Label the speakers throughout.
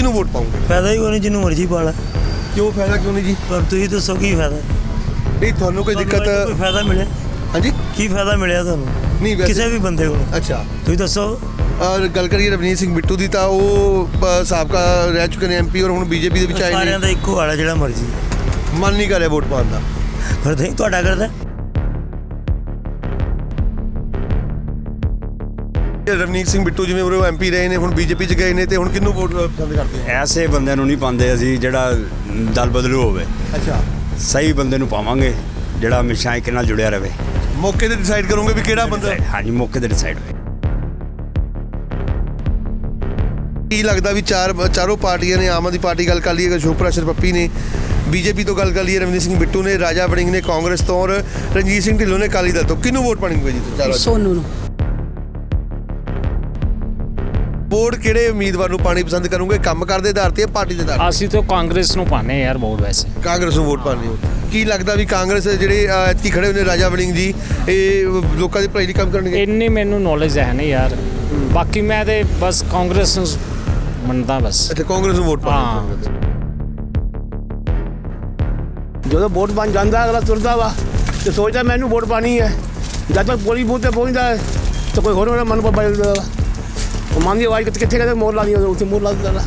Speaker 1: किहनूं vote पाओगे?
Speaker 2: फायदा ही कोई नहीं, जिन्हों मर्जी पा ला।
Speaker 1: क्यों फायदा क्यों नहीं जी?
Speaker 2: पर तुसीं दसो की फायदा?
Speaker 1: नहीं थानू कोई दिक्कत?
Speaker 2: कोई फायदा मिले?
Speaker 1: हाँ जी
Speaker 2: की फायदा मिले थानू?
Speaker 1: नहीं वैसे
Speaker 2: किसी भी बंदे को?
Speaker 1: अच्छा
Speaker 2: तुसीं दसो।
Speaker 1: और गल करिए रवनीत सिंह बिट्टू की तो वो साबका रह चुके हैं MP और हुण BJP ਦੇ ਵਿੱਚ ਆਏ
Speaker 2: सारियां
Speaker 1: ने।
Speaker 2: दा इक्को वाला जिहड़ा मर्जी।
Speaker 1: मन नहीं कर रहा वोट पाने का।
Speaker 2: फिर तुसीं तुहाडा करदा?
Speaker 1: रवनीत सिंह बिट्टू जिवें वो MP रहे ने हुण BJP च गए ने ते हुण किहनूं वोट पसंद करते हैं?
Speaker 3: ਐਸੇ ਬੰਦੇ ਨੂੰ ਨਹੀਂ ਪਾਉਂਦੇ ਅਸੀਂ ਜਿਹੜਾ ਦਲ ਬਦਲੂ ਹੋਵੇ।
Speaker 1: अच्छा
Speaker 3: ਸਹੀ ਬੰਦੇ ਨੂੰ ਪਾਵਾਂਗੇ ਜਿਹੜਾ ਹਮੇਸ਼ਾ ਇੱਕ ਨਾਲ ਜੁੜਿਆ ਰਹੇ।
Speaker 1: मौके ते डिसाइड करोगे भी किहड़ा बंदा?
Speaker 3: ਹਾਂਜੀ ਮੌਕੇ ਤੇ ਡਿਸਾਈਡ ਹੋਏ।
Speaker 1: ਕੀ ਲੱਗਦਾ ਵੀ ਚਾਰੋਂ ਪਾਰਟੀਆਂ ਨੇ, ਆਮ ਆਦਮੀ ਪਾਰਟੀ ਗੱਲ ਕਰ ਲਈਏ, ਅਸ਼ੋਕ ਪ੍ਰਸ਼ਰ ਪੱਪੀ ਨੇ, BJP ਤੋਂ ਗੱਲ ਕਰ ਲਈਏ ਰਵਨੀਤ ਸਿੰਘ ਬਿੱਟੂ ਨੇ, ਰਾਜਾ ਵੜਿੰਗ ਨੇ ਕਾਂਗਰਸ ਤੋਂ ਔਰ ਰਣਜੀਤ ਸਿੰਘ ਢਿੱਲੋਂ ਨੇ ਅਕਾਲੀ ਦਲ ਤੋਂ, ਕਿਹਨੂੰ ਵੋਟ ਪਾਣੀ ਹੋਈ ਜੀ ਚਾਰੋਂ?
Speaker 4: ਸੋਨੂ ਨੂੰ।
Speaker 1: ਵੋਟ ਕਿਹੜੇ ਉਮੀਦਵਾਰ ਨੂੰ ਪਾਣੀ ਪਸੰਦ ਕਰੋਗੇ, ਕੰਮ ਕਰਦੇ ਆਧਾਰ ਤੇ ਜਾਂ ਪਾਰਟੀ ਦੇ ਆਧਾਰ ਤੇ?
Speaker 5: ਅਸੀਂ ਤਾਂ ਕਾਂਗਰਸ ਨੂੰ ਪਾਣੇ ਯਾਰ ਵੋਟ ਵੈਸੇ।
Speaker 1: ਕਾਂਗਰਸ ਨੂੰ ਵੋਟ ਪਾਣੀ ਹੋ। ਕੀ ਲੱਗਦਾ ਵੀ ਕਾਂਗਰਸ ਜਿਹੜੇ ਐਤਕੀ ਖੜੇ ਹੋਏ ਨੇ ਰਾਜਾ ਵੜਿੰਗ ਜੀ, ਇਹ ਲੋਕਾਂ ਦੀ ਭਲਾਈ ਲਈ ਕੰਮ ਕਰਨਗੇ?
Speaker 5: ਇੰਨੀ ਮੈਨੂੰ ਨੌਲੇਜ ਹੈ ਨਹੀਂ ਯਾਰ, ਬਾਕੀ ਮੈਂ ਤੇ ਬਸ ਕਾਂਗਰਸ ਨੂੰ ਮੰਨਦਾ ਬਸ।
Speaker 1: ਅੱਛਾ ਕਾਂਗਰਸ ਨੂੰ ਵੋਟ ਪਾਣੀ।
Speaker 6: ਜਦੋਂ ਵੋਟ ਬਣ ਜਾਂਦਾ ਅਗਲਾ ਤੁਰਦਾ ਵਾ ਤੇ ਸੋਚਦਾ ਮੈਨੂੰ ਵੋਟ ਪਾਣੀ ਹੈ। ਜਦ ਤੱਕ ਪੋਲੀ ਬੂਥ ਤੇ ਪਹੁੰਚਦਾ ਹੈ ਤਾਂ ਕੋਈ ਹੋਰ ਉਹਨਾਂ ਮਨ ਪਰ ਬਦਲ ਦਿੰਦਾ ਵਾ। ਉਹ ਮਨ ਦੀ ਆਵਾਜ਼ ਕਿੱਥੇ ਕਿਤੇ ਮੋਰ ਲਾਣੀ ਉੱਥੇ ਮੋਰ ਲਾ ਦਿੰਦਾ ਵਾ।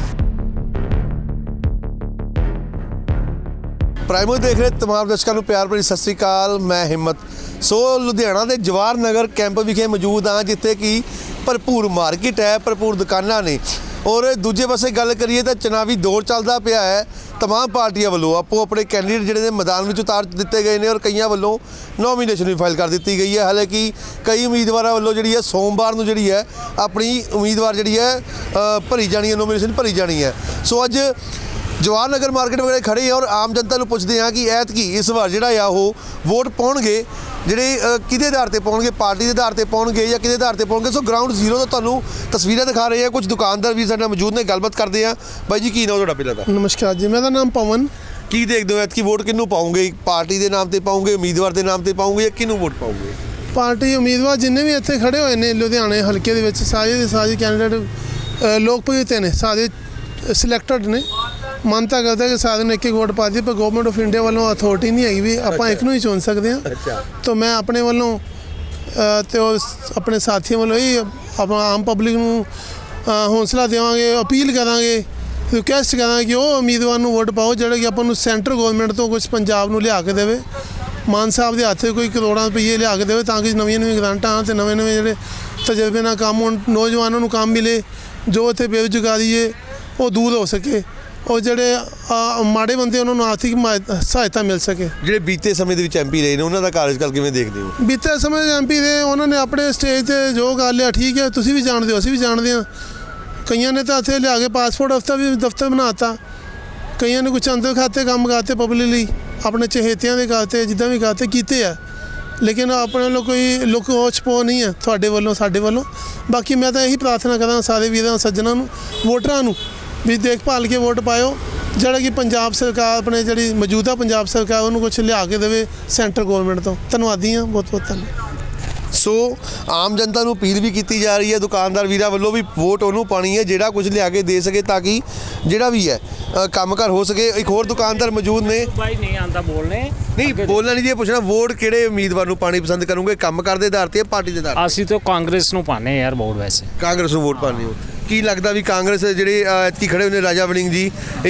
Speaker 1: ਪ੍ਰਾਈਮੋ ਦੇਖ ਰਹੇ ਤਮਾਮ ਦਰਸ਼ਕਾਂ ਨੂੰ ਪਿਆਰ ਭਰੀ ਸਤਿ ਸ੍ਰੀ ਅਕਾਲ। ਮੈਂ ਹਿੰਮਤ। ਸੋ ਲੁਧਿਆਣਾ ਦੇ ਜਵਾਹਰ ਨਗਰ ਕੈਂਪ ਵਿਖੇ ਮੌਜੂਦ ਹਾਂ, ਜਿੱਥੇ ਕਿ ਭਰਪੂਰ ਮਾਰਕੀਟ ਹੈ, ਭਰਪੂਰ ਦੁਕਾਨਾਂ ਨੇ ਔਰ ਦੂਜੇ ਪਾਸੇ ਗੱਲ ਕਰੀਏ ਤਾਂ ਚੁਣਾਵੀ ਦੌਰ ਚੱਲਦਾ ਪਿਆ ਹੈ। तमाम ਪਾਰਟੀਆਂ ਵੱਲੋਂ ਆਪੋ ਆਪਣੇ ਕੈਂਡੀਡੇਟ ਜਿਹੜੇ ਨੇ ਮੈਦਾਨ ਵਿੱਚ ਉਤਾਰ ਦਿੱਤੇ ਗਏ ਨੇ ਔਰ ਕਈਆਂ ਵੱਲੋਂ ਨੋਮੀਨੇਸ਼ਨ ਵੀ ਫਾਈਲ ਕਰ ਦਿੱਤੀ ਗਈ ਹੈ। ਹਾਲਾਂਕਿ ਕਈ ਉਮੀਦਵਾਰਾਂ ਵੱਲੋਂ ਜਿਹੜੀ ਹੈ ਸੋਮਵਾਰ ਨੂੰ ਜਿਹੜੀ ਹੈ ਆਪਣੀ ਉਮੀਦਵਾਰ ਜਿਹੜੀ ਹੈ ਭਰੀ ਜਾਣੀ ਹੈ, ਨੋਮੀਨੇਸ਼ਨ ਭਰੀ ਜਾਣੀ ਹੈ। ਸੋ ਅੱਜ ਜਵਾਹਰ ਨਗਰ ਮਾਰਕੀਟ ਵਗੈਰਾ ਖੜੇ ਔਰ ਆਮ ਜਨਤਾ ਨੂੰ ਪੁੱਛਦੇ ਹਾਂ ਕਿ ਐਤਕੀ ਇਸ ਵਾਰ ਜਿਹੜਾ ਆ ਉਹ ਵੋਟ ਪਾਉਣਗੇ ਜਿਹੜੇ ਕਿਹਦੇ ਆਧਾਰ ਤੇ ਪਾਉਣਗੇ, ਪਾਰਟੀ ਦੇ ਆਧਾਰ ਤੇ ਪਾਉਣਗੇ ਜਾਂ ਕਿਹਦੇ ਆਧਾਰ ਤੇ ਪਾਉਣਗੇ। ਸੋ ਗਰਾਊਂਡ ਜ਼ੀਰੋ ਤੋਂ ਤੁਹਾਨੂੰ ਤਸਵੀਰਾਂ ਦਿਖਾ ਰਹੇ ਆ, ਕੁਝ ਦੁਕਾਨਦਾਰ ਵੀ ਸਾਡੇ ਨਾਲ ਮੌਜੂਦ ਨੇ, ਗੱਲਬਾਤ ਕਰਦੇ ਆ। ਬਾਈ ਜੀ ਕੀ ਨਾਮ ਤੁਹਾਡਾ ਪਹਿਲਾਂ ਤਾਂ?
Speaker 7: ਨਮਸਕਾਰ ਜੀ, ਮੇਰਾ ਨਾਮ ਪਵਨ।
Speaker 1: ਕੀ ਦੇਖਦੇ ਹੋ ਐਤਕੀ ਵੋਟ ਕਿਹਨੂੰ ਪਾਉਂਗੇ? ਪਾਰਟੀ ਦੇ ਨਾਮ ਤੇ ਪਾਉਂਗੇ, ਉਮੀਦਵਾਰ ਦੇ ਨਾਮ ਤੇ ਪਾਉਂਗੇ ਜਾਂ ਕਿਹਨੂੰ ਵੋਟ ਪਾਉਂਗੇ?
Speaker 7: ਪਾਰਟੀ ਉਮੀਦਵਾਰ ਜਿੰਨੇ ਵੀ ਇੱਥੇ ਖੜੇ ਹੋਏ ਨੇ ਲੁਧਿਆਣੇ ਹਲਕੇ ਦੇ ਵਿੱਚ ਸਾਰੇ ਦੇ ਸਾਰੇ ਕੈਂਡੀਡੇਟ ਲੋਕਪ੍ਰਿਯ ਨੇ, ਸਾਰੇ ਸਿਲੈਕਟਡ ਨੇ। ਮਨ ਤਾਂ ਕਰਦਾ ਕਿ ਸਾਰਿਆਂ ਨੂੰ ਇੱਕ ਵੋਟ ਪਾ ਦੀ, ਪਰ ਗਵਰਨਮੈਂਟ ਆਫ ਇੰਡੀਆ ਵੱਲੋਂ ਅਥਾਰਟੀ ਨਹੀਂ ਹੈਗੀ ਵੀ ਆਪਾਂ ਇੱਕ ਨੂੰ ਹੀ ਚੁਣ ਸਕਦੇ ਹਾਂ। ਤਾਂ ਮੈਂ ਆਪਣੇ ਵੱਲੋਂ ਤੇ ਆਪਣੇ ਸਾਥੀਆਂ ਵੱਲੋਂ ਹੀ ਆਪਾਂ ਆਮ ਪਬਲਿਕ ਨੂੰ ਹੌਸਲਾ ਦੇਵਾਂਗੇ, ਅਪੀਲ ਕਰਾਂਗੇ, ਰਿਕੁਐਸਟ ਕਰਾਂਗੇ ਕਿ ਉਹ ਉਮੀਦਵਾਰ ਨੂੰ ਵੋਟ ਪਾਓ ਜਿਹੜਾ ਕਿ ਆਪਾਂ ਨੂੰ ਸੈਂਟਰ ਗਵਰਨਮੈਂਟ ਤੋਂ ਕੁਝ ਪੰਜਾਬ ਨੂੰ ਲਿਆ ਕੇ ਦੇਵੇ। ਮਾਨ ਸਾਹਿਬ ਦੇ ਹੱਥ ਕੋਈ ਕਰੋੜਾਂ ਰੁਪਈਏ ਲਿਆ ਕੇ ਦੇਵੇ ਤਾਂ ਕਿ ਨਵੀਆਂ ਗ੍ਰਾਂਟਾਂ ਅਤੇ ਨਵੇਂ ਜਿਹੜੇ ਤਜਰਬੇ ਨਾਲ ਕੰਮ ਹੋਣ, ਨੌਜਵਾਨਾਂ ਨੂੰ ਕੰਮ ਮਿਲੇ, ਜੋ ਇੱਥੇ ਬੇਰੁਜ਼ਗਾਰੀ ਹੈ ਉਹ ਦੂਰ ਹੋ ਸਕੇ ਔਰ ਜਿਹੜੇ ਮਾੜੇ ਬੰਦੇ ਉਹਨਾਂ ਨੂੰ ਆਰਥਿਕ ਸਹਾਇਤਾ ਮਿਲ ਸਕੇ।
Speaker 1: ਜਿਹੜੇ ਬੀਤੇ ਸਮੇਂ ਦੇ ਵਿੱਚ MP ਰਹੇ ਨੇ ਉਹਨਾਂ ਦਾ ਕਾਰਜਕਾਲ ਕਿਵੇਂ ਦੇਖਦੇ ਹੋ?
Speaker 7: ਬੀਤੇ ਸਮੇਂ ਦੇ MP ਰਹੇ, ਉਹਨਾਂ ਨੇ ਆਪਣੇ ਸਟੇਜ 'ਤੇ ਜੋ ਕਰ ਲਿਆ ਠੀਕ ਹੈ, ਤੁਸੀਂ ਵੀ ਜਾਣਦੇ ਹੋ, ਅਸੀਂ ਵੀ ਜਾਣਦੇ ਹਾਂ। ਕਈਆਂ ਨੇ ਤਾਂ ਇੱਥੇ ਲਿਆ ਕੇ ਪਾਸਪੋਰਟ ਦਫ਼ਤਰ ਬਣਾ ਦਿੱਤਾ, ਕਈਆਂ ਨੇ ਕੁਛ ਅੰਦਰ ਖਾਤੇ ਕੰਮ ਕਰਤੇ ਪਬਲਿਕ ਲਈ, ਆਪਣੇ ਚਹੇਤਿਆਂ ਦੇ ਕਰਤੇ, ਜਿੱਦਾਂ ਵੀ ਕਰਤੇ ਕੀਤੇ ਆ। ਲੇਕਿਨ ਆਪਣੇ ਵੱਲੋਂ ਕੋਈ ਲੁੱਕ ਛਪੋ ਨਹੀਂ ਹੈ ਤੁਹਾਡੇ ਵੱਲੋਂ, ਸਾਡੇ ਵੱਲੋਂ। ਬਾਕੀ ਮੈਂ ਤਾਂ ਇਹੀ ਪ੍ਰਾਰਥਨਾ ਕਰਾਂ ਸਾਰੇ ਵੀਰਾਂ ਸੱਜਣਾਂ ਨੂੰ, ਵੋਟਰਾਂ ਨੂੰ ਵੀ ਦੇਖਭਾਲ ਕੇ ਵੋਟ ਪਾਇਓ ਜਿਹੜਾ ਕਿ ਪੰਜਾਬ ਸਰਕਾਰ ਆਪਣੇ ਜਿਹੜੀ ਮੌਜੂਦਾ ਪੰਜਾਬ ਸਰਕਾਰ ਉਹਨੂੰ ਕੁਝ ਲਿਆ ਕੇ ਦੇਵੇ ਸੈਂਟਰ ਗਵਰਨਮੈਂਟ ਤੋਂ। ਧੰਨਵਾਦੀ ਹਾਂ, ਬਹੁਤ ਬਹੁਤ ਧੰਨਵਾਦ।
Speaker 1: ਸੋ ਆਮ ਜਨਤਾ ਨੂੰ ਅਪੀਲ ਵੀ ਕੀਤੀ ਜਾ ਰਹੀ ਹੈ, ਦੁਕਾਨਦਾਰ ਵੀਰਾਂ ਵੱਲੋਂ ਵੀ ਵੋਟ ਉਹਨੂੰ ਪਾਣੀ ਹੈ ਜਿਹੜਾ ਕੁਝ ਲਿਆ ਕੇ ਦੇ ਸਕੇ ਤਾਂ ਕਿ ਜਿਹੜਾ ਵੀ ਹੈ ਕੰਮਕਾਰ ਹੋ ਸਕੇ। ਇੱਕ ਹੋਰ ਦੁਕਾਨਦਾਰ ਮੌਜੂਦ ਨੇ।
Speaker 5: ਭਾਈ ਨਹੀਂ ਆਂਦਾ ਬੋਲਣੇ,
Speaker 1: ਨਹੀਂ ਬੋਲਣਾ ਨਹੀਂ ਜੀ, ਪੁੱਛਣਾ ਵੋਟ ਕਿਹੜੇ ਉਮੀਦਵਾਰ ਨੂੰ ਪਾਣੀ ਪਸੰਦ ਕਰੋਗੇ, ਕੰਮਕਾਰ ਦੇ ਆਧਾਰ ਤੇ ਜਾਂ ਪਾਰਟੀ ਦੇ ਆਧਾਰ?
Speaker 5: ਅਸੀਂ ਤਾਂ ਕਾਂਗਰਸ ਨੂੰ ਪਾਣੇ ਯਾਰ ਵੋਟ ਵੈਸੇ।
Speaker 1: ਕਾਂਗਰਸ ਨੂੰ ਵੋਟ ਪਾਣੀ ਹੋ। ਕੀ ਲੱਗਦਾ ਵੀ ਕਾਂਗਰਸ ਜਿਹੜੇ ਐਤਕੀ ਖੜੇ ਹੋਏ ਨੇ ਰਾਜਾ ਵੜਿੰਗ ਜੀ,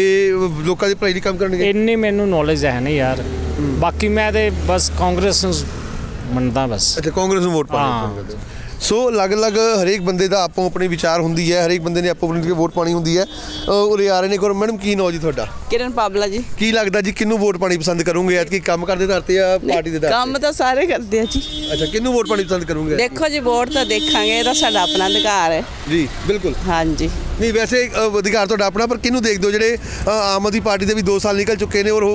Speaker 1: ਇਹ ਲੋਕਾਂ ਦੀ ਭਲਾਈ ਲਈ ਕੰਮ ਕਰਨਗੇ?
Speaker 5: ਇੰਨੀ ਮੈਨੂੰ ਨੌਲੇਜ ਹੈ ਨਹੀਂ ਯਾਰ, ਬਾਕੀ ਮੈਂ ਤੇ ਬਸ ਕਾਂਗਰਸ ਨੂੰ ਮੰਨਦਾ ਬਸ।
Speaker 1: ਅੱਛਾ ਕਾਂਗਰਸ ਨੂੰ ਵੋਟ ਪਾਣੀ। ਸੋ ਅਲੱਗ-ਅਲੱਗ ਹਰੇਕ ਬੰਦੇ ਦਾ ਆਪੋ ਆਪਣੀ ਵਿਚਾਰ ਹੁੰਦੀ ਹੈ, ਹਰੇਕ ਬੰਦੇ ਨੇ ਆਪੋ ਆਪਣੀ ਵੋਟ ਪਾਣੀ ਹੁੰਦੀ ਹੈ। ਉਰੇ ਆ ਰਹੇ ਨੇ। ਮੈਡਮ ਕੀ ਨਾਮ ਜੀ ਤੁਹਾਡਾ?
Speaker 4: ਕਿਰਨ ਪਾਬਲਾ ਜੀ।
Speaker 1: ਕੀ ਲੱਗਦਾ ਜੀ ਕਿਹਨੂੰ ਵੋਟ ਪਾਣੀ ਪਸੰਦ ਕਰੋਗੇ ਐਤਕੀ, ਕੰਮ ਕਰਦੇ ਆਧਾਰ ਤੇ ਜਾਂ ਪਾਰਟੀ ਦੇ ਆਧਾਰ ਤੇ?
Speaker 4: ਕੰਮ ਤਾਂ ਸਾਰੇ ਕਰਦੇ ਆ ਜੀ।
Speaker 1: ਅੱਛਾ ਕਿਹਨੂੰ ਵੋਟ ਪਾਣੀ ਪਸੰਦ ਕਰੋਗੇ?
Speaker 4: ਦੇਖੋ ਜੀ ਵੋਟ ਤਾਂ ਦੇਖਾਂਗੇ, ਇਹ ਤਾਂ ਸਾਡਾ ਆਪਣਾ ਅਧਿਕਾਰ ਹੈ
Speaker 1: ਜੀ ਬਿਲਕੁਲ।
Speaker 4: ਹਾਂਜੀ
Speaker 1: ਨਹੀਂ ਵੈਸੇ ਅਧਿਕਾਰ ਤੁਹਾਡਾ ਆਪਣਾ, ਪਰ ਕਿਹਨੂੰ ਦੇਖਦੇ ਹੋ? ਜਿਹੜੇ ਆਮ ਆਦਮੀ ਪਾਰਟੀ ਦੇ ਵੀ 2 ਸਾਲ ਨਿਕਲ ਚੁੱਕੇ ਨੇ ਔਰ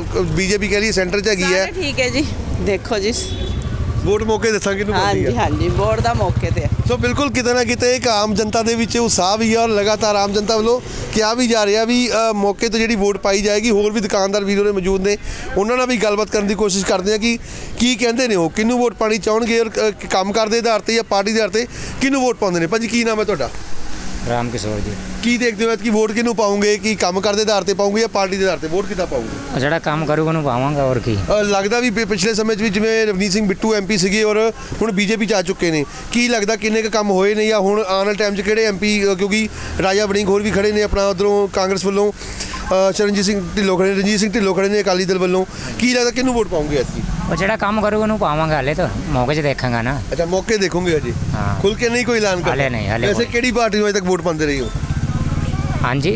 Speaker 1: BJP ਕਹਿ ਰਹੀ ਸੈਂਟਰ 'ਚ ਹੈਗੀ ਹੈ।
Speaker 4: ਠੀਕ ਹੈ ਜੀ, ਦੇਖੋ ਜੀ
Speaker 1: ਵੋਟ ਮੌਕੇ ਦੱਸਾਂਗੇ ਕਿਹਨੂੰ ਪਾਉਂਦੀ ਹੈ।
Speaker 4: ਹਾਂਜੀ ਵੋਟ ਦਾ ਮੌਕੇ ਤੇ।
Speaker 1: ਸੋ ਬਿਲਕੁਲ ਕਿਤੇ ਨਾ ਕਿਤੇ ਇੱਕ ਆਮ ਜਨਤਾ ਦੇ ਵਿੱਚ ਉਤਸ਼ਾਹ ਵੀ ਹੈ ਔਰ ਲਗਾਤਾਰ ਆਮ ਜਨਤਾ ਵੱਲੋਂ ਕਿਹਾ ਵੀ ਜਾ ਰਿਹਾ ਵੀ ਮੌਕੇ ਤੇ ਜਿਹੜੀ ਵੋਟ ਪਾਈ ਜਾਏਗੀ। ਹੋਰ ਵੀ ਦੁਕਾਨਦਾਰ ਵੀਰੋ ਨੇ ਮੌਜੂਦ ਨੇ, ਉਹਨਾਂ ਨਾਲ ਵੀ ਗੱਲਬਾਤ ਕਰਨ ਦੀ ਕੋਸ਼ਿਸ਼ ਕਰਦੇ ਹਾਂ ਕਿ ਕੀ ਕਹਿੰਦੇ ਨੇ ਉਹ, ਕਿਹਨੂੰ ਵੋਟ ਪਾਣੀ ਚਾਹਣਗੇ ਔਰ ਕੰਮ ਕਰਦੇ ਆਧਾਰ ਤੇ ਜਾਂ ਪਾਰਟੀ ਦੇ ਆਧਾਰ ਤੇ ਕਿਹਨੂੰ ਵੋਟ ਪਾਉਂਦੇ ਨੇ। ਭਾਜੀ ਕੀ ਨਾਮ ਹੈ ਤੁਹਾਡਾ?
Speaker 8: ਰਾਮ ਕਿਸ਼ੋਰ ਜੀ।
Speaker 1: ਕੀ ਦੇਖਦੇ ਹੋ ਕਿ ਵੋਟ ਕਿਹਨੂੰ ਪਾਉਂਗੇ? ਕਿ ਕੰਮ ਕਰਦੇ ਆਧਾਰ ਤੇ ਪਾਉਂਗੇ ਜਾਂ ਪਾਰਟੀ ਦੇ ਆਧਾਰ ਤੇ? ਵੋਟ ਕਿੱਦਾਂ ਪਾਉਂਗੇ?
Speaker 8: ਉਹ ਜਿਹੜਾ ਕੰਮ ਕਰੂਗਾ ਉਹਨੂੰ ਪਾਵਾਂਗਾ, ਹੋਰ ਕੀ।
Speaker 1: ਲੱਗਦਾ ਵੀ ਪਿਛਲੇ ਸਮੇਂ 'ਚ ਵੀ ਜਿਵੇਂ ਰਵਨੀਤ ਸਿੰਘ ਬਿੱਟੂ ਐਮਪੀ ਸੀਗੇ ਔਰ ਹੁਣ ਬੀਜੇਪੀ 'ਚ ਆ ਚੁੱਕੇ ਨੇ, ਕੀ ਲੱਗਦਾ ਕਿੰਨੇ ਕੁ ਕੰਮ ਹੋਏ ਨੇ ਜਾਂ ਹੁਣ ਆਉਣ ਵਾਲੇ ਟਾਈਮ 'ਚ ਕਿਹੜੇ ਐਮਪੀ, ਕਿਉਂਕਿ ਰਾਜਾ ਵੜਿੰਗ ਹੋਰ ਵੀ ਖੜੇ ਨੇ ਆਪਣਾ ਉੱਧਰੋਂ ਕਾਂਗਰਸ ਵੱਲੋਂ, ਚਰਨਜੀਤ ਸਿੰਘ ਢਿੱਲੋਂ ਖੜੇ, ਰਣਜੀਤ ਸਿੰਘ ਢਿੱਲੋਂ ਖੜੇ ਨੇ ਅਕਾਲੀ ਦਲ ਵੱਲੋਂ, ਕੀ ਲੱਗਦਾ ਕਿਹਨੂੰ ਵੋਟ ਪਾਉਂਗੇ ਐਤਕੀ?
Speaker 8: ਉਹ ਜਿਹੜਾ ਕੰਮ ਕਰੂਗਾ ਉਹਨੂੰ ਪਾਵਾਂਗਾ, ਹਾਲੇ ਤਾਂ ਮੌਕੇ 'ਚ ਦੇਖਾਂਗਾ ਨਾ।
Speaker 1: ਅੱਛਾ, ਮੌਕੇ ਦੇਖੋਗੇ ਅਜੇ,
Speaker 8: ਹਾਂ।
Speaker 1: ਖੁੱਲ ਕੇ ਨਹੀਂ ਕੋਈ ਐਲਾਨ ਕਰਨਾ?
Speaker 8: ਹਾਲੇ ਨਹੀਂ, ਹਾਲੇ
Speaker 1: ਵੈਸੇ
Speaker 8: ਕੋਈ।
Speaker 1: ਕਿਹੜੀ ਪਾਰਟੀ ਨੂੰ ਅਜੇ ਤੱਕ ਵੋਟ ਪਾਉਂਦੇ ਰਹੇ ਹੋ?
Speaker 8: ਹਾਂਜੀ